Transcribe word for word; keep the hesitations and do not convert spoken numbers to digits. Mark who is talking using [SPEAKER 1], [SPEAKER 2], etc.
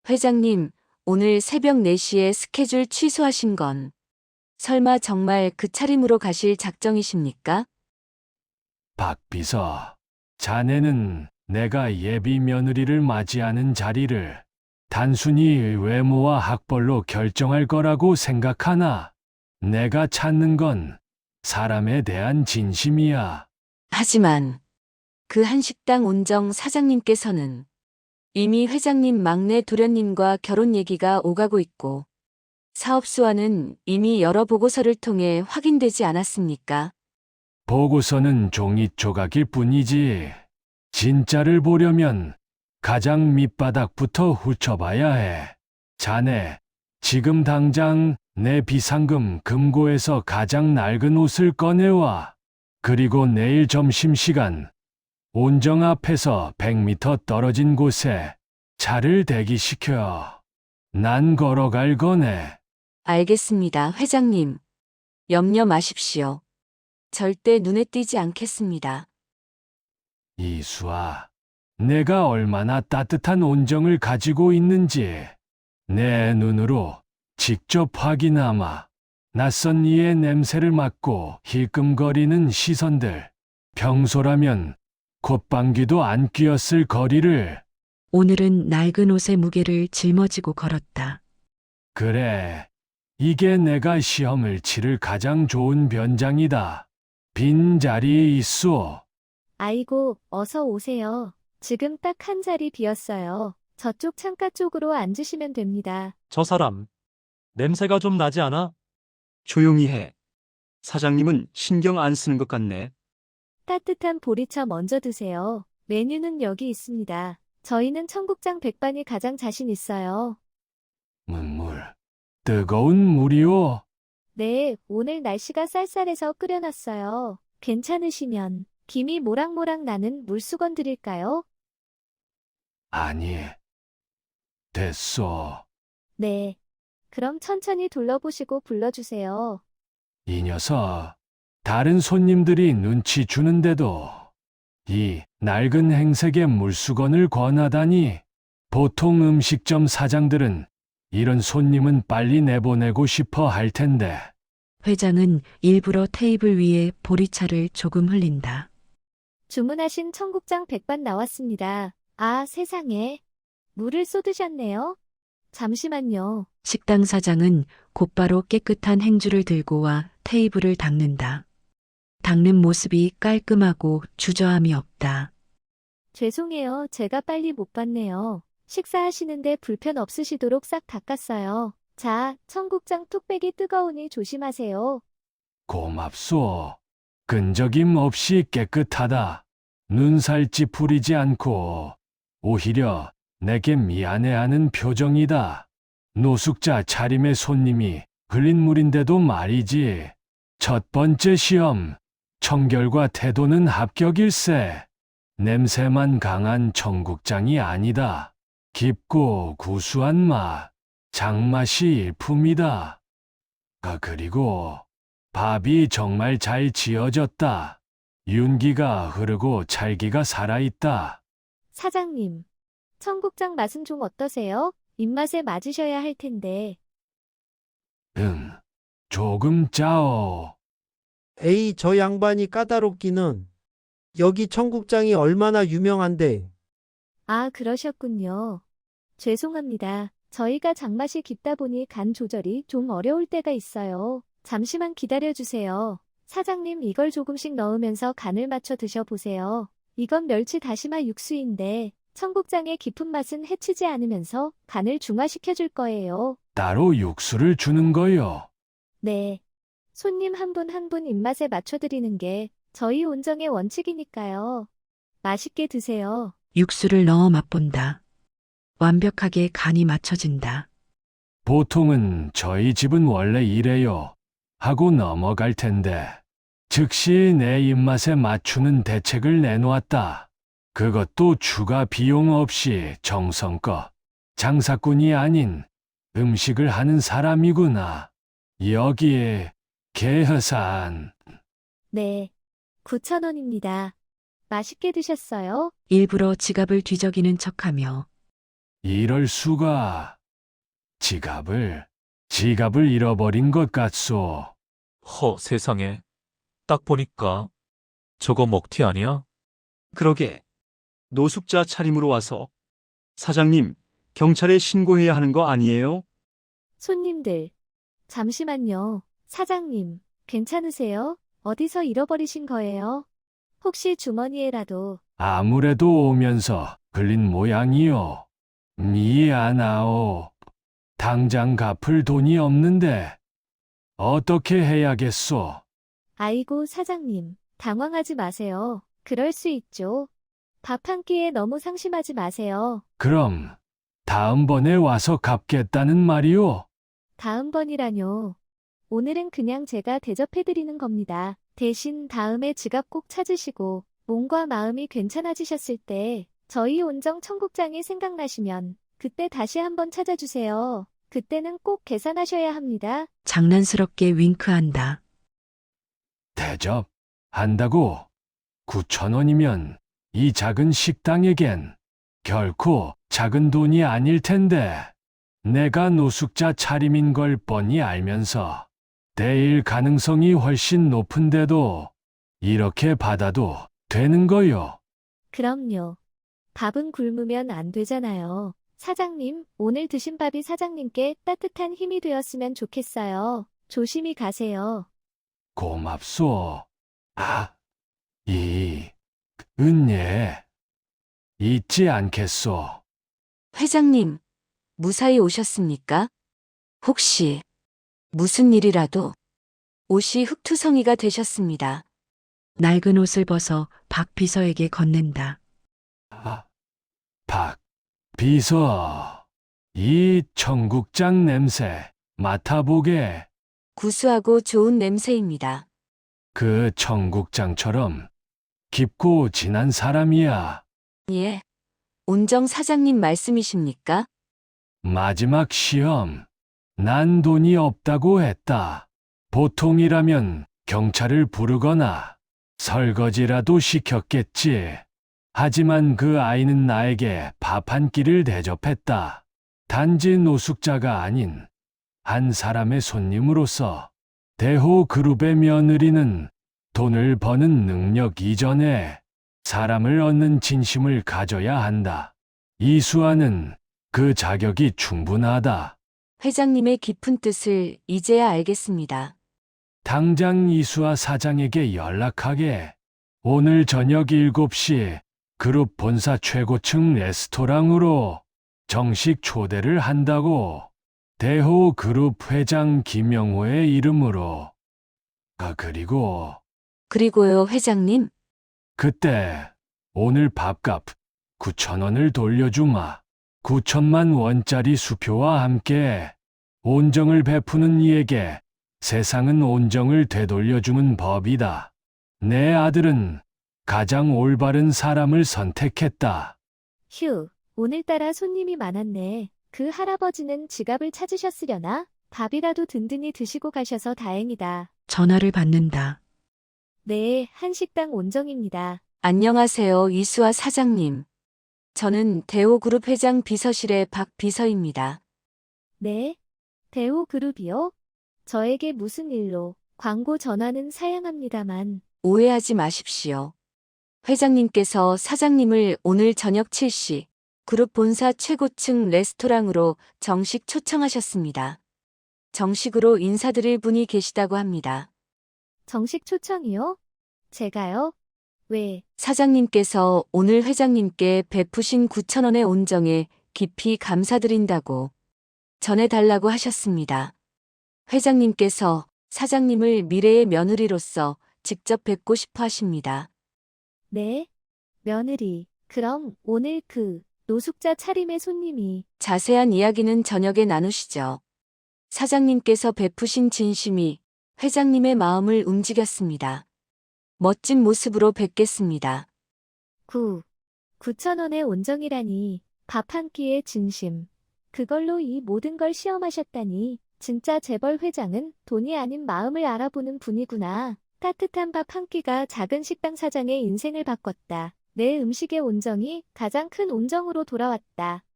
[SPEAKER 1] 회장님, 오늘 새벽 네 시에 스케줄 취소하신 건 설마 정말 그 차림으로 가실 작정이십니까?
[SPEAKER 2] 박 비서, 자네는 내가 예비 며느리를 맞이하는 자리를 단순히 외모와 학벌로 결정할 거라고 생각하나? 내가 찾는 건 사람에 대한 진심이야.
[SPEAKER 1] 하지만 그 한식당 온정 사장님께서는 이미 회장님 막내 도련님과 결혼 얘기가 오가고 있고 사업소와는 이미 여러 보고서를 통해 확인되지 않았습니까?
[SPEAKER 2] 보고서는 종이 조각일 뿐이지. 진짜를 보려면 가장 밑바닥부터 훑어봐야 해. 자네, 지금 당장 내 비상금 금고에서 가장 낡은 옷을 꺼내와. 그리고 내일 점심시간 온정 앞에서 백 미터 떨어진 곳에 차를 대기시켜. 난 걸어갈 거네.
[SPEAKER 1] 알겠습니다, 회장님. 염려 마십시오. 절대 눈에 띄지 않겠습니다.
[SPEAKER 2] 이수아, 내가 얼마나 따뜻한 온정을 가지고 있는지 내 눈으로 직접 확인하마. 낯선 이의 냄새를 맡고 힐끔거리는 시선들. 평소라면 콧방귀도 안 뀌었을 거리를.
[SPEAKER 3] 오늘은 낡은 옷의 무게를 짊어지고 걸었다.
[SPEAKER 2] 그래, 이게 내가 시험을 치를 가장 좋은 변장이다. 빈 자리에 있소.
[SPEAKER 4] 아이고, 어서 오세요. 지금 딱 한 자리 비었어요. 저쪽 창가 쪽으로 앉으시면 됩니다.
[SPEAKER 5] 저 사람, 냄새가 좀 나지 않아?
[SPEAKER 6] 조용히 해. 사장님은 신경 안 쓰는 것 같네.
[SPEAKER 4] 따뜻한 보리차 먼저 드세요. 메뉴는 여기 있습니다. 저희는 청국장 백반이 가장 자신 있어요.
[SPEAKER 2] 문물, 뜨거운 물이오.
[SPEAKER 4] 네, 오늘 날씨가 쌀쌀해서 끓여놨어요. 괜찮으시면 김이 모락모락 나는 물수건 드릴까요?
[SPEAKER 2] 아니, 됐소.
[SPEAKER 4] 네. 그럼 천천히 둘러보시고 불러주세요.
[SPEAKER 2] 이 녀석, 다른 손님들이 눈치 주는데도 이 낡은 행색의 물수건을 권하다니. 보통 음식점 사장들은 이런 손님은 빨리 내보내고 싶어 할 텐데.
[SPEAKER 3] 회장은 일부러 테이블 위에 보리차를 조금 흘린다.
[SPEAKER 4] 주문하신 청국장 백반 나왔습니다. 아, 세상에. 물을 쏟으셨네요. 잠시만요.
[SPEAKER 3] 식당 사장은 곧바로 깨끗한 행주를 들고 와 테이블을 닦는다. 닦는 모습이 깔끔하고 주저함이 없다.
[SPEAKER 4] 죄송해요. 제가 빨리 못 봤네요. 식사하시는데 불편 없으시도록 싹 닦았어요. 자, 청국장 뚝배기 뜨거우니 조심하세요.
[SPEAKER 2] 고맙소. 끈적임 없이 깨끗하다. 눈살 찌푸리지 않고 오히려 내게 미안해하는 표정이다. 노숙자 차림의 손님이 흘린 물인데도 말이지. 첫 번째 시험, 청결과 태도는 합격일세. 냄새만 강한 청국장이 아니다. 깊고 구수한 맛, 장맛이 일품이다. 아, 그리고 밥이 정말 잘 지어졌다. 윤기가 흐르고 찰기가 살아있다.
[SPEAKER 4] 사장님, 청국장 맛은 좀 어떠세요? 입맛에 맞으셔야 할 텐데.
[SPEAKER 2] 응, 조금 짜오.
[SPEAKER 7] 에이, 저 양반이 까다롭기는. 여기 청국장이 얼마나 유명한데.
[SPEAKER 4] 아, 그러셨군요. 죄송합니다. 저희가 장맛이 깊다 보니 간 조절이 좀 어려울 때가 있어요. 잠시만 기다려주세요. 사장님, 이걸 조금씩 넣으면서 간을 맞춰 드셔보세요. 이건 멸치 다시마 육수인데 청국장의 깊은 맛은 해치지 않으면서 간을 중화시켜줄 거예요.
[SPEAKER 2] 따로 육수를 주는 거요.
[SPEAKER 4] 네. 손님 한 분 한 분 입맛에 맞춰드리는 게 저희 온정의 원칙이니까요. 맛있게 드세요.
[SPEAKER 3] 육수를 넣어 맛본다. 완벽하게 간이 맞춰진다.
[SPEAKER 2] 보통은 저희 집은 원래 이래요 하고 넘어갈 텐데 즉시 내 입맛에 맞추는 대책을 내놓았다. 그것도 추가 비용 없이 정성껏 장사꾼이 아닌 음식을 하는 사람이구나. 여기에 개허산.
[SPEAKER 4] 네. 구천 원입니다. 맛있게 드셨어요?
[SPEAKER 3] 일부러 지갑을 뒤적이는 척하며
[SPEAKER 2] 이럴 수가. 지갑을, 지갑을 잃어버린 것 같소.
[SPEAKER 5] 허, 세상에. 딱 보니까 저거 먹튀 아니야?
[SPEAKER 6] 그러게. 노숙자 차림으로 와서 사장님, 경찰에 신고해야 하는 거 아니에요?
[SPEAKER 4] 손님들. 잠시만요. 사장님, 괜찮으세요? 어디서 잃어버리신 거예요? 혹시 주머니에라도.
[SPEAKER 2] 아무래도 오면서 걸린 모양이요. 미안하오. 당장 갚을 돈이 없는데 어떻게 해야겠소?
[SPEAKER 4] 아이고, 사장님. 당황하지 마세요. 그럴 수 있죠. 밥 한 끼에 너무 상심하지 마세요.
[SPEAKER 2] 그럼 다음번에 와서 갚겠다는 말이오?
[SPEAKER 4] 다음번이라뇨. 오늘은 그냥 제가 대접해드리는 겁니다. 대신 다음에 지갑 꼭 찾으시고 몸과 마음이 괜찮아지셨을 때 저희 온정 청국장이 생각나시면 그때 다시 한번 찾아주세요. 그때는 꼭 계산하셔야 합니다.
[SPEAKER 3] 장난스럽게 윙크한다.
[SPEAKER 2] 대접 한다고? 구천 원이면 이 작은 식당에겐 결코 작은 돈이 아닐 텐데 내가 노숙자 차림인 걸 뻔히 알면서 내일 가능성이 훨씬 높은데도 이렇게 받아도 되는 거요.
[SPEAKER 4] 그럼요. 밥은 굶으면 안 되잖아요. 사장님, 오늘 드신 밥이 사장님께 따뜻한 힘이 되었으면 좋겠어요. 조심히 가세요.
[SPEAKER 2] 고맙소. 아, 이 은예 잊지 않겠소.
[SPEAKER 1] 회장님, 무사히 오셨습니까? 혹시 무슨 일이라도 옷이 흙투성이가 되셨습니다.
[SPEAKER 3] 낡은 옷을 벗어 박 비서에게 건넨다.
[SPEAKER 2] 아, 박 비서, 이 청국장 냄새 맡아보게.
[SPEAKER 1] 구수하고 좋은 냄새입니다.
[SPEAKER 2] 그 청국장처럼 깊고 진한 사람이야.
[SPEAKER 1] 예. 온정 사장님 말씀이십니까?
[SPEAKER 2] 마지막 시험, 난 돈이 없다고 했다. 보통이라면 경찰을 부르거나 설거지라도 시켰겠지. 하지만 그 아이는 나에게 밥 한 끼를 대접했다. 단지 노숙자가 아닌 한 사람의 손님으로서. 대호그룹의 며느리는 돈을 버는 능력 이전에 사람을 얻는 진심을 가져야 한다. 이수아는 그 자격이 충분하다.
[SPEAKER 1] 회장님의 깊은 뜻을 이제야 알겠습니다.
[SPEAKER 2] 당장 이수아 사장에게 연락하게. 오늘 저녁 일곱 시 그룹 본사 최고층 레스토랑으로 정식 초대를 한다고. 대호그룹 회장 김영호의 이름으로. 아, 그리고
[SPEAKER 1] 그리고요, 회장님.
[SPEAKER 2] 그때 오늘 밥값 구천 원을 돌려주마. 구천만 원짜리 수표와 함께 온정을 베푸는 이에게 세상은 온정을 되돌려주는 법이다. 내 아들은 가장 올바른 사람을 선택했다.
[SPEAKER 4] 휴, 오늘따라 손님이 많았네. 그 할아버지는 지갑을 찾으셨으려나? 밥이라도 든든히 드시고 가셔서 다행이다.
[SPEAKER 3] 전화를 받는다.
[SPEAKER 4] 네, 한식당 온정입니다.
[SPEAKER 1] 안녕하세요, 이수아 사장님. 저는 대호그룹 회장 비서실의 박 비서입니다.
[SPEAKER 4] 네? 대호그룹이요? 저에게 무슨 일로? 광고 전화는 사양합니다만.
[SPEAKER 1] 오해하지 마십시오. 회장님께서 사장님을 오늘 저녁 칠 시 그룹 본사 최고층 레스토랑으로 정식 초청하셨습니다. 정식으로 인사드릴 분이 계시다고 합니다.
[SPEAKER 4] 정식 초청이요? 제가요? 왜?
[SPEAKER 1] 사장님께서 오늘 회장님께 베푸신 구천 원의 온정에 깊이 감사드린다고 전해달라고 하셨습니다. 회장님께서 사장님을 미래의 며느리로서 직접 뵙고 싶어 하십니다.
[SPEAKER 4] 네? 며느리. 그럼 오늘 그 노숙자 차림의 손님이
[SPEAKER 1] 자세한 이야기는 저녁에 나누시죠. 사장님께서 베푸신 진심이 회장님의 마음을 움직였습니다. 멋진 모습으로 뵙겠습니다.
[SPEAKER 4] 구, 구천 원의 온정이라니. 밥 한 끼의 진심. 그걸로 이 모든 걸 시험하셨다니. 진짜 재벌 회장은 돈이 아닌 마음을 알아보는 분이구나. 따뜻한 밥 한 끼가 작은 식당 사장의 인생을 바꿨다. 내 음식의 온정이 가장 큰 온정으로 돌아왔다.